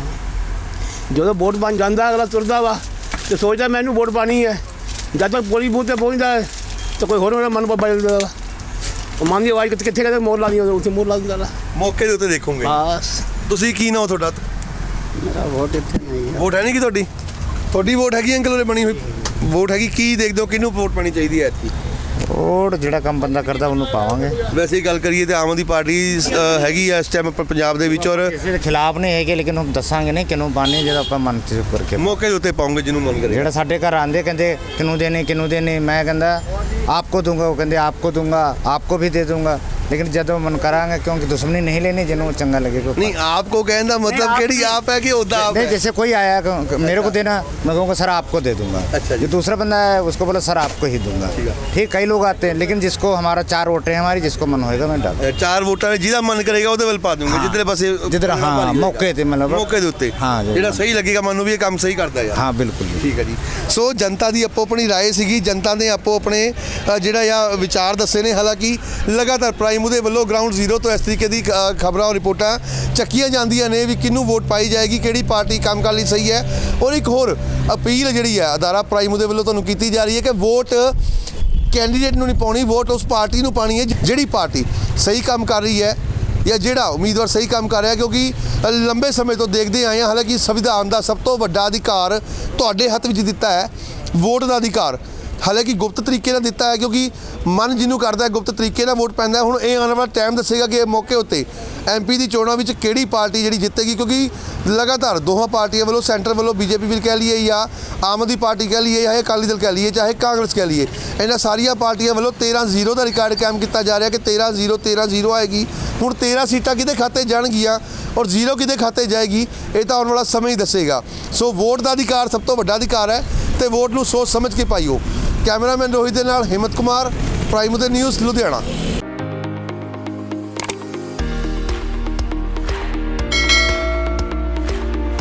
Speaker 6: ਜਦੋਂ ਵੋਟ ਬਣ ਜਾਂਦਾ ਅਗਲਾ ਤੁਰਦਾ ਵਾ ਤੇ ਸੋਚਦਾ ਮੈਨੂੰ ਵੋਟ ਪਾਣੀ ਹੈ। ਜਦ ਤੱਕ ਪੋਲਿੰਗ ਬੂਥ 'ਤੇ ਪਹੁੰਚਦਾ ਹੈ ਤਾਂ ਕੋਈ ਹੋਰ ਮਨ ਬਦਲਦਾ ਵਾ। ਉਹ ਮਨ ਦੀ ਆਵਾਜ਼ ਕਿੱਥੇ ਕਿਤੇ ਮੋਰ ਲਾਉਂਦੀ, ਉੱਥੇ ਮੋਰ ਲਾ ਦਿੰਦਾ।
Speaker 1: ਮੌਕੇ ਦੇ ਉੱਤੇ ਦੇਖੋਗੇ?
Speaker 6: ਬਸ।
Speaker 1: ਤੁਸੀਂ ਕੀ ਨਾਮ ਤੁਹਾਡਾ?
Speaker 6: ਮੇਰਾ ਵੋਟ ਇੱਥੇ ਨਹੀਂ ਹੈ।
Speaker 1: ਵੋਟ ਹੈ ਨਹੀਂ ਕਿ ਤੁਹਾਡੀ ਵੋਟ ਹੈਗੀ ਅੰਕਲ ਉਰੇ ਬਣੀ ਹੋਈ ਵੋਟ ਹੈਗੀ? ਕੀ ਦੇਖਦੇ ਹੋ ਕਿਹਨੂੰ ਵੋਟ ਪਾਣੀ ਚਾਹੀਦੀ ਹੈ ਐਤਕੀ?
Speaker 8: ਵੋਟ ਜਿਹੜਾ ਕੰਮ ਬੰਦਾ ਕਰਦਾ ਉਹਨੂੰ ਪਾਵਾਂਗੇ।
Speaker 1: ਵੈਸੇ ਹੀ ਗੱਲ ਕਰੀਏ ਤਾਂ ਆਮ ਆਦਮੀ ਪਾਰਟੀ ਹੈਗੀ ਆ ਇਸ ਟਾਈਮ ਪੰਜਾਬ ਦੇ ਵਿੱਚ, ਔਰ
Speaker 8: ਕਿਸੇ ਦੇ ਖਿਲਾਫ ਨਹੀਂ ਹੈਗੇ, ਲੇਕਿਨ ਉਹ ਦੱਸਾਂਗੇ ਨਹੀਂ ਕਿਹਨੂੰ ਪਾਣੇ, ਜਿਹੜਾ ਆਪਾਂ ਮਨ 'ਚ ਕਰਕੇ
Speaker 1: ਮੌਕੇ ਦੇ ਉੱਤੇ ਪਾਉਂਗੇ ਜਿਹਨੂੰ ਮਨ ਕਰੇ।
Speaker 8: ਜਿਹੜਾ ਸਾਡੇ ਘਰ ਆਂਦੇ ਕਹਿੰਦੇ ਕਿਹਨੂੰ ਦੇਣੇ। ਮੈਂ ਕਹਿੰਦਾ ਆਪ
Speaker 13: आपको दूंगा, वो कहते आपको दूंगा, आपको भी दे दूंगा, लेकिन जब मन करांगे क्योंकि दुश्मनी नहीं लेनी जिन्होंने चंगा लगेगा।
Speaker 1: नहीं आपको कहने का मतलब केड़ी आप है कि ओदा आप
Speaker 13: नहीं,
Speaker 1: है?
Speaker 13: जैसे कोई आया मेरे को देना, मैं कहूँगा सर आपको दे दूंगा।
Speaker 1: अच्छा जी।
Speaker 13: जो दूसरा बंदा है उसको बोला सर आपको ही दूंगा। ठीक, कई लोग आते हैं, लेकिन जिसको हमारा 4 वोटें हैं हमारी, जिसको मन होएगा मैं डाल
Speaker 1: 4 वोटाਂ ਜਿਹਦਾ ਮਨ ਕਰੇਗਾ ਉਹਦੇ ਵੱਲ ਪਾ ਦੂੰਗਾ ਜਿੱਧਰੇ ਪਾਸੇ
Speaker 13: जिधर हाँ मौके थे मतलब
Speaker 1: ਮੌਕੇ ਦੇ ਉੱਤੇ
Speaker 13: ਹਾਂ ਜੀ।
Speaker 1: ਜਿਹੜਾ ਸਹੀ ਲੱਗੇਗਾ ਮਨ ਨੂੰ ਵੀ ਇਹ ਕੰਮ ਸਹੀ ਕਰਦਾ ਯਾਰ।
Speaker 13: हाँ बिल्कुल जी।
Speaker 1: ਠੀਕ ਹੈ ਜੀ। ਸੋ ਜਨਤਾ ਦੀ ਆਪੋ ਆਪਣੀ ਰਾਏ ਸੀਗੀ, ਜਨਤਾ ਨੇ ਆਪੋ ਆਪਣੇ ਜਿਹੜਾ ਆ ਵਿਚਾਰ ਦੱਸੇ ਨੇ। ਹਾਲਾਂਕਿ ਲਗਾਤਾਰ ਪ੍ਰਾਈਮ ਉਹਦੇ ਵੱਲੋਂ ਗਰਾਊਂਡ ਜ਼ੀਰੋ ਤੋਂ ਇਸ ਤਰੀਕੇ ਦੀ ਖਬਰਾਂ ਔਰ ਰਿਪੋਰਟਾਂ ਚੱਕੀਆਂ ਜਾਂਦੀਆਂ ਨੇ ਵੀ ਕਿਹਨੂੰ ਵੋਟ ਪਾਈ ਜਾਏਗੀ, ਕਿਹੜੀ ਪਾਰਟੀ ਕੰਮ ਕਰਨ ਲਈ ਸਹੀ ਹੈ। ਔਰ ਇੱਕ ਹੋਰ ਅਪੀਲ ਜਿਹੜੀ ਹੈ ਅਦਾਰਾ ਪ੍ਰਾਈਮ ਉਹਦੇ ਵੱਲੋਂ ਤੁਹਾਨੂੰ ਕੀਤੀ ਜਾ ਰਹੀ ਹੈ ਕਿ ਵੋਟ ਕੈਂਡੀਡੇਟ ਨੂੰ ਨਹੀਂ ਪਾਉਣੀ, ਵੋਟ ਉਸ ਪਾਰਟੀ ਨੂੰ ਪਾਣੀ ਹੈ ਜਿਹੜੀ ਪਾਰਟੀ ਸਹੀ ਕੰਮ ਕਰ ਰਹੀ ਹੈ ਜਾਂ ਜਿਹੜਾ ਉਮੀਦਵਾਰ ਸਹੀ ਕੰਮ ਕਰ ਰਿਹਾ। ਕਿਉਂਕਿ ਲੰਬੇ ਸਮੇਂ ਤੋਂ ਦੇਖਦੇ ਆਏ ਹਾਂ, ਹਾਲਾਂਕਿ ਸੰਵਿਧਾਨ ਦਾ ਸਭ ਤੋਂ ਵੱਡਾ ਅਧਿਕਾਰ ਤੁਹਾਡੇ ਹੱਥ ਵਿੱਚ ਦਿੱਤਾ ਹੈ, ਵੋਟ ਦਾ ਅਧਿਕਾਰ। ਹਾਲਾਂਕਿ ਗੁਪਤ ਤਰੀਕੇ ਨਾਲ ਦਿੱਤਾ ਹੈ ਕਿਉਂਕਿ ਮਨ ਜਿਹਨੂੰ ਕਰਦਾ ਹੈ ਗੁਪਤ ਤਰੀਕੇ ਨਾਲ ਵੋਟ ਪੈਂਦਾ। ਹੁਣ ਇਹ ਆਉਣ ਵਾਲਾ ਟਾਈਮ ਦੱਸੇਗਾ ਕਿ ਇਹ ਮੌਕੇ ਉੱਤੇ MP ਦੀ ਚੋਣਾਂ ਵਿੱਚ ਕਿਹੜੀ ਪਾਰਟੀ ਜਿਹੜੀ ਜਿੱਤੇਗੀ, ਕਿਉਂਕਿ ਲਗਾਤਾਰ ਦੋਹਾਂ ਪਾਰਟੀਆਂ ਵੱਲੋਂ, ਸੈਂਟਰ ਵੱਲੋਂ BJP ਵੀ ਕਹਿ ਲਈਏ ਜਾਂ ਆਮ ਆਦਮੀ ਪਾਰਟੀ ਕਹਿ ਲਈਏ, ਚਾਹੇ ਅਕਾਲੀ ਦਲ ਕਹਿ ਲਈਏ, ਚਾਹੇ ਕਾਂਗਰਸ ਕਹਿ ਲਈਏ, ਇਹਨਾਂ ਸਾਰੀਆਂ ਪਾਰਟੀਆਂ ਵੱਲੋਂ 13-0 ਦਾ ਰਿਕਾਰਡ ਕਾਇਮ ਕੀਤਾ ਜਾ ਰਿਹਾ ਕਿ 13-0 ਆਏਗੀ। ਹੁਣ 13 ਸੀਟਾਂ ਕਿਹਦੇ ਖਾਤੇ ਜਾਣਗੀਆਂ ਔਰ 0 ਕਿਹਦੇ ਖਾਤੇ ਜਾਏਗੀ, ਇਹ ਤਾਂ ਆਉਣ ਵਾਲਾ ਸਮਾਂ ਹੀ ਦੱਸੇਗਾ। ਸੋ ਵੋਟ ਦਾ ਅਧਿਕਾਰ ਸਭ ਤੋਂ ਵੱਡਾ ਅਧਿਕਾਰ ਹੈ ਤੇ ਵੋਟ ਨੂੰ ਸੋਚ ਸਮਝ ਕੇ ਪਾਈਓ। ਕੈਮਰਾਮੈਨ ਰੋਹਿਤ ਦੇ ਨਾਲ ਹਿੰਮਤ ਕੁਮਾਰ, ਪ੍ਰਾਈਮ ਦੇ ਨਿਊਜ਼ ਲੁਧਿਆਣਾ।